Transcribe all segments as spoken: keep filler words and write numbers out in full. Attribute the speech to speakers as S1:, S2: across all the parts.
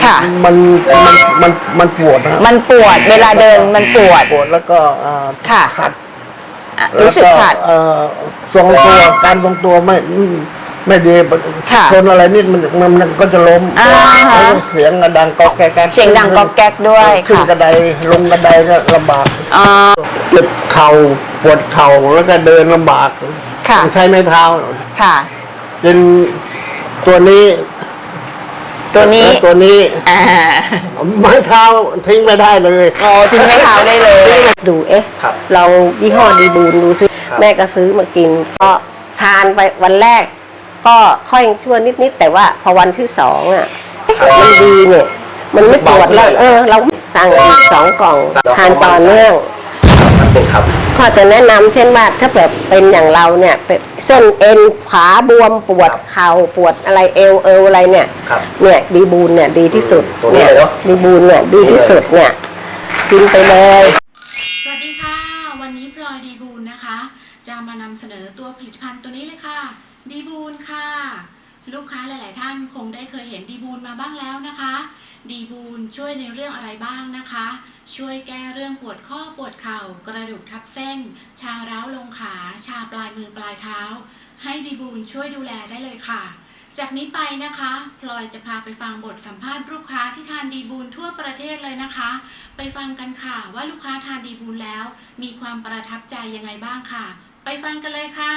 S1: ค่ะ
S2: มันมันมันมันปวดนะ
S1: มันปวดเวลาเดินมันปวด
S2: ปวดแล้วก็
S1: ค่ะ
S2: ขัด
S1: รู้สึกขัด
S2: ทรงตัวการทรงตัวไม่ไม่ดีชนอะไรนิดมันมันก็จะล้มแล้วเสียงดังก๊อกแก๊ก
S1: เสียงดังก๊อกแก๊กด้วย
S2: ขึ้นกระไดลงกระไดก็ลำบากเจ็บเข่าปวดเข่าแล้วก็เดินลำบากต้องใช้ไม้เท้า
S1: ค่ะ
S2: เป็นตัวนี้
S1: ตัวนี้
S2: ตัวนี้ไม้เท้าทิ้งไม่ได้เลย
S1: อ๋อทิ้งไม้เท้าได้เลย
S3: ดูเอ๊ะเรายี่ห้อดีบูนดูซิแม่ก็ซื้อมากินก็ทานไปวันแรกก็ค่อยชั่วนิดๆแต่ว่าพอวันที่สองอ่ะมันดีเนี่ยมันไม่ปวดแล้วเออเราสั่งอีกสองกล่องทานต่อเนื่องข้อจะแนะนำเช่นว่าถ้าแบบเป็นอย่างเราเนี่ยเป็นเส้นเอ็นขาบวมปวดเข่าปวดอะไรเอวเอวอะไรเนี่ยเนี่ยดีบูนเนี่ยดีที่สุดเนี่ยดีบูนเนี่ยดีที่สุดเนี่ยกินไปเลย
S4: สวัสดีค่ะวันนี้พลอยดีบูนนะคะจะมานำเสนอตัวผลิตภัณฑ์ตัวนี้เลยค่ะดีบูนค่ะลูกค้าหลาย ๆ ท่านคงได้เคยเห็นดีบูนมาบ้างแล้วนะคะดีบูนช่วยในเรื่องอะไรบ้างนะคะช่วยแก้เรื่องปวดข้อปวดเข่ากระดูกทับเส้นชาร้าวลงขาชาปลายมือปลายเท้าให้ดีบูนช่วยดูแลได้เลยค่ะจากนี้ไปนะคะพลอยจะพาไปฟังบทสัมภาษณ์ลูกค้าที่ทานดีบูนทั่วประเทศเลยนะคะไปฟังกันค่ะว่าลูกค้าทานดีบูนแล้วมีความประทับใจยังไงบ้างค่ะไปฟังกันเลยค่ะ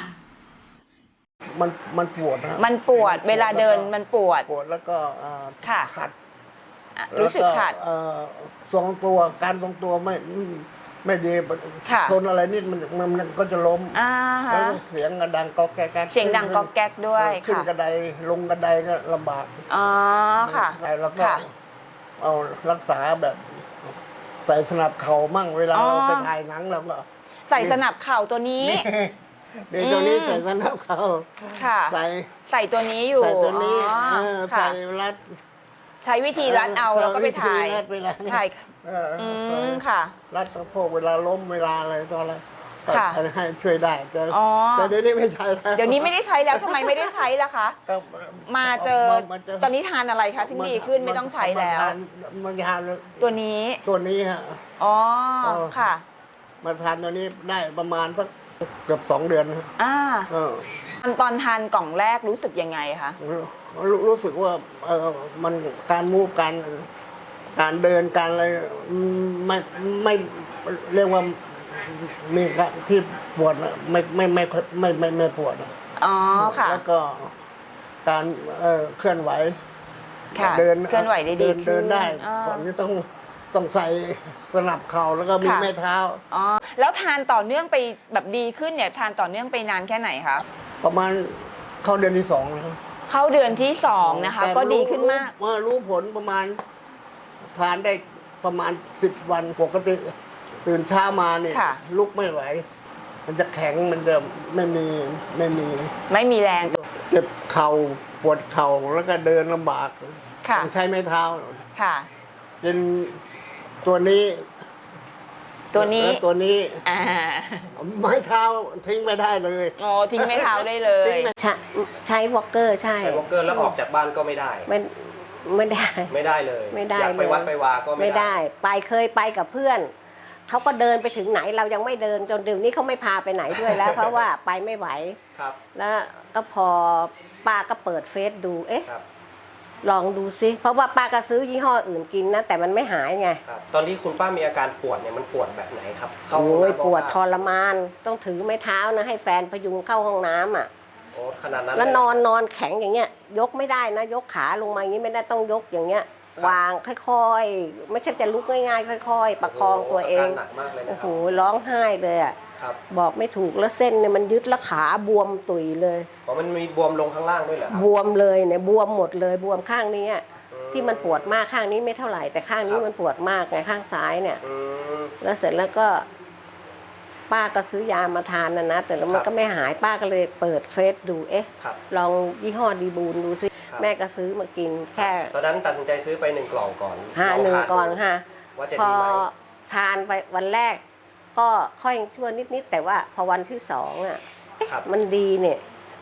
S2: มันมันปวดนะ
S1: มันปวดเวลาเดินมันปวด
S2: ปวดแล้วก็ขัด
S1: รู้สึกขัด
S2: ทรงตัวการทรงตัวไม่ไม่ดีชนอะไรนิดมันมันก็จะล้มแล้วเสียงดังก๊อกแก๊ก
S1: เสียงดังก๊อกแก๊กด้วย
S2: ขึ้นกระไดลงกระไดก็ลำบาก
S1: อ๋อค่ะ
S2: แล้วก็เอารักษาแบบใส่สนับเข่ามั่งเวลาเราไปถ่ายหนังเราก็
S1: ใส่สนับเข่าตัวนี้
S2: เดี๋ยวตัวนี้ใส่สนับเข่าใส่
S1: ใส่ตัวนี้อยู่
S2: ใส่ตัวนี้ใส่รัด
S1: ใช้วิธีรัดเอาแล้วก็ไปถ่ายถ่ายอืมค่ะ
S2: รัดสะโพกเวลาล้มเวลาอะไรตอนอะไรให้ช่วยได้แต่แต่เดี๋ยวนี้ไม่ใช้แล้ว
S1: เดี๋ยวนี้ไม่ได้ใช้แล้วทำไมไม่ได้ใช้ล่ะคะมาเจอตอนนี้ทานอะไรคะถึงดีขึ้นไม่ต้องใช้แล้ว
S2: มันทาน
S1: ตัวนี้
S2: ตัวนี้ฮะ
S1: อ๋อค่ะ
S2: มาทานตัวนี้ได้ประมาณสักเกือบสองเดือน
S1: อ่าตอนทานกล่องแรกรู้สึกยังไงคะ
S2: รู้สึกว่าเออมันการมูฟการการเดินการอะไรไม่ไม่เรียกว่ามีที่ปวดไม่ไม่ไม่ไม่ไม่ไม่ปวด
S1: อ๋อค่ะ
S2: แล้วก็การเออเคลื่อนไหว
S1: เดินเคลื่อนไหวได้ดี
S2: เดินได้ก่อนนี้ต้องต้องใส่สนับเข่าแล้วก็มีแม่เท้า
S1: อ๋อแล้วทานต่อเนื่องไปแบบดีขึ้นเนี่ยทานต่อเนื่องไปนานแค่ไหนคะ
S2: ประมาณเข้าเดือนที่สองนะ
S1: เข้าเดือนที่สองนะคะก็ดีขึ้นมาก
S2: เมื่อรู้ผลประมาณทานได้ประมาณสิบวันปกติตื่นเช้ามาเนี่ยลุกไม่ไหวมันจะแข็งมันจะไม่มีไม่มี
S1: ไม่มีแรง
S2: เจ็บเข่าปวดเข่าแล้วก็เดินลำบากต้องใช้ไม้เท้า
S1: ค่ะ
S2: เป็นตัวนี้
S1: ตัวนี้
S2: ตัวนี้ไม้เท้าทิ้งไม่ได้เลย
S1: อ๋อทิ้งไม้เท้าได้เลย
S3: ใช้วอล์กเกอร์ใช่
S5: ใช้วอล์กเกอร์แล้วออกจากบ้านก็ไม่ได้
S3: ไม่ไม่ได้
S5: ไม่ได้เลย
S3: ไม่ได้
S5: อยากไปวัดไปวาก็
S3: ไม่ได้ไปเคยไปกับเพื่อนเขาก็เดินไปถึงไหนเรายังไม่เดินจนเดี๋ยวนี้เขาไม่พาไปไหนด้วยแล้วเพราะว่าไปไม่ไหว
S5: ครับ
S3: แล้วก็พอป้าก็เปิดเฟซดูเอ๊ะลองดูซิเพราะว่าป้าก็ซื้อยี่ห้ออื่นกินนะแต่มันไม่หายไง
S5: ตอนที่คุณป้ามีอาการปวดเนี่ยมันปวดแบบไหนครับ
S3: โอ้ยปวดทรมานต้องถือไม้เท้านะให้แฟนพยุงเข้าห้องน้ำอ่ะ
S5: โอ้ขนาดนั้น
S3: แล้วนอนนอนแข็งอย่างเงี้ยยกไม่ได้นะยกขาลงมาอย่างนี้ไม่ได้ต้องยกอย่างเงี้ยวางค่อยๆไม่ใช่จะลุกง่ายๆค่อยๆประคองตัวเองโอ้โหร้องไห้เลยอ่ะบอกไม่ถูกแล้วเส้นเนี่ยมันยึดแล้วขาบวมตุยเลย
S5: อ๋อมันมีบวมลงข้างล่างด้วยเหรอบ
S3: วมเลยเนี่ยบวมหมดเลยบวมข้างนี้ที่มันปวดมากข้างนี้ไม่เท่าไหร่แต่ข้างนี้มันปวดมากไงข้างซ้ายเนี่ยแล้วเสร็จแล้วก็ป้าก็ซื้อยามาทานนะนะแต่แล้วมันก็ไม่หายป้าก็เลยเปิดเฟซดูเอ๊ะลองยี่ห้อดีบูนดูซิแม่ก็ซื้อมากินแค่
S5: ตอนนั้นตัดสินใจซื้อไปหนึ่งกล่องก่อน
S3: ห้าหนึ่งก่อนค่ะพอทานไปวันแรกก็ค่อยชั่วนิดๆแต่ว่าพอวันที่สองอ่ะมันดีเนี่ย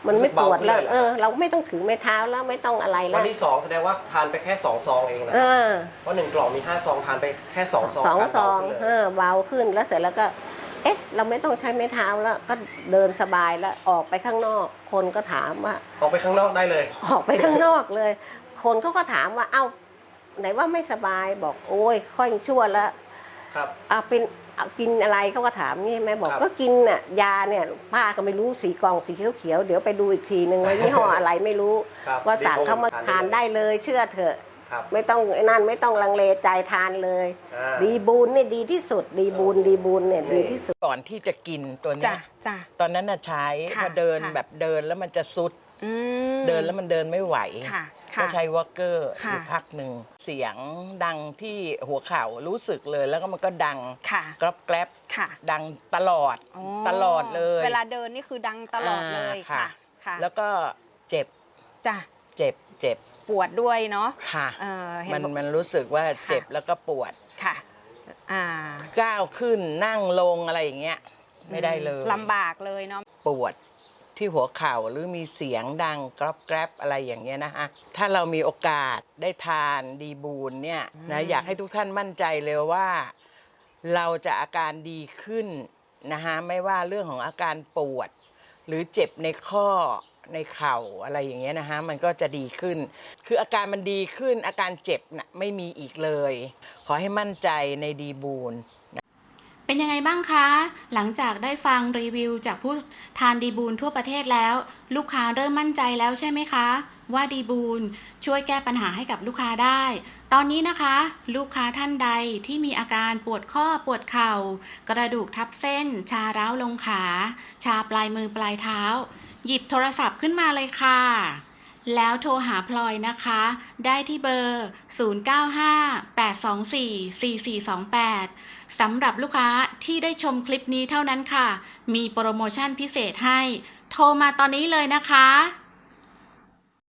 S3: มันไม่ปวดแล้ว
S5: รู้สึกเบาขึ้นเลยเหรอ
S3: เออ เราไม่ต้องถือไม้เท้าแล้วไม่ต้องอะไรแล้
S5: วั
S3: วน
S5: ที่สองแสดงว่าทานไปแค่สองซองเองนะ
S3: เอ
S5: ครับ
S3: อ
S5: เพราะหนึ่งกล่องมีห้าซองทานไปแค่สองซอง
S3: สอง
S5: การ
S3: ซ
S5: เบา
S3: อง
S5: ขึ้น
S3: เอ
S5: เลย
S3: อเบาขึ้นแล้วเสร็จแล้วก็ เอ๊ะ เราไม่ต้องใช้ไม้เท้าแล้วก็เดินสบายแล้วออกไปข้างนอก คนก็ถามว่า
S5: ออกไปข้างนอกได้เลย
S3: ออกไปข้างนอกเลย คนเขาก็ถามว่าเอ้าไหนว่าไม่สบายบอกโอ้ยค่อยชั่วแล้ว
S5: ครับ
S3: เอาเป็นเอากินอะไรเขาก็ถามนี่แม่บอก
S5: ครับ
S3: ก็กินน่ะยาเนี่ยป้าก็ไม่รู้สีกล่องสีเขียวๆเดี๋ยวไปดูอีกทีนึงว่ายี่ห้ออะไรไม่รู้
S5: ครับ
S3: ว่าสั่งเขามาทานได้เลยเชื่อเถอะ
S5: ครับ
S3: ไม่ต้องไอ้นั่นไม่ต้องลังเลใจทานเลย
S5: อ่า
S3: ดีบูนเนี่ยดีที่สุด ดีบูนดีบูนเนี่ยดีที่สุด
S6: ก่อนที่จะกินตัวเนี้
S1: จ้ะ
S6: ย
S1: จ้ะ
S6: ตอนนั้นน่ะใช้
S1: ค่ะ
S6: พอเดิน
S1: ค่ะ
S6: แบบเดินแล้วมันจะซุด
S1: อืม
S6: เดินแล้วมันเดินไม่ไหว
S1: ค่ะ
S6: ก็
S1: ค่ะ
S6: ใช้วอลเกอร์อ
S1: ค่ะ
S6: ยู่พักหนึ่งเสียงดังที่หัวเข่ารู้สึกเลยแล้วก็มันก็ดัง
S1: ค่ะ
S6: กรอบแกรบ
S1: ค่ะ
S6: ดังตลอด
S1: อ๋อ
S6: ตลอดเลย
S1: เวลาเดินนี่คือดังตลอดเลย
S6: อ่า
S1: ค่ะ ค่ะ
S6: แล้วก็เจ็บ
S1: จ้ะ
S6: เจ็บเจ็บ
S1: ปวดด้วยเนาะ
S6: ค่ะ
S1: เออเห็
S6: มัน
S1: บอก
S6: มันรู้สึกว่าเจ็บ
S1: ค่ะ
S6: แล้วก็ปวด
S1: ค่ะ อ่า
S6: ก้าวขึ้นนั่งลงอะไรอย่างเงี้ยไม่ได้เลย
S1: ลำบากเลยเนาะ
S6: ปวดที่หัวเข่าหรือมีเสียงดังกรอบแกรบอะไรอย่างเงี้ยนะฮะถ้าเรามีโอกาสได้ทานดีบูนเนี่ยนะอยากให้ทุกท่านมั่นใจเลยว่า เราจะอาการดีขึ้นนะฮะไม่ว่าเรื่องของอาการปวด หรือเจ็บในข้อในเข่าอะไรอย่างเงี้ยนะฮะมันก็จะดีขึ้น คืออาการมันดีขึ้นอาการเจ็บน่ะไม่มีอีกเลย ขอให้มั่นใจในดีบูน
S4: เป็นยังไงบ้างคะ หลังจากได้ฟังรีวิวจากผู้ทานดีบูนทั่วประเทศแล้ว ลูกค้าเริ่มมั่นใจแล้วใช่ไหมคะ ว่าดีบูนช่วยแก้ปัญหาให้กับลูกค้าได้ ตอนนี้นะคะ ลูกค้าท่านใดที่มีอาการปวดข้อปวดเข่า กระดูกทับเส้น ชาร้าวลงขา ชาปลายมือปลายเท้า หยิบโทรศัพท์ขึ้นมาเลยค่ะ แล้วโทรหาพลอยนะคะ ได้ที่เบอร์ ศูนย์ เก้า ห้า แปด สอง สี่ สี่ สี่ สอง แปด สำหรับลูกค้าที่ได้ชมคลิปนี้เท่านั้นค่ะ มีโปรโมชั่นพิเศษให้ โทรมาตอนนี้เลยนะคะ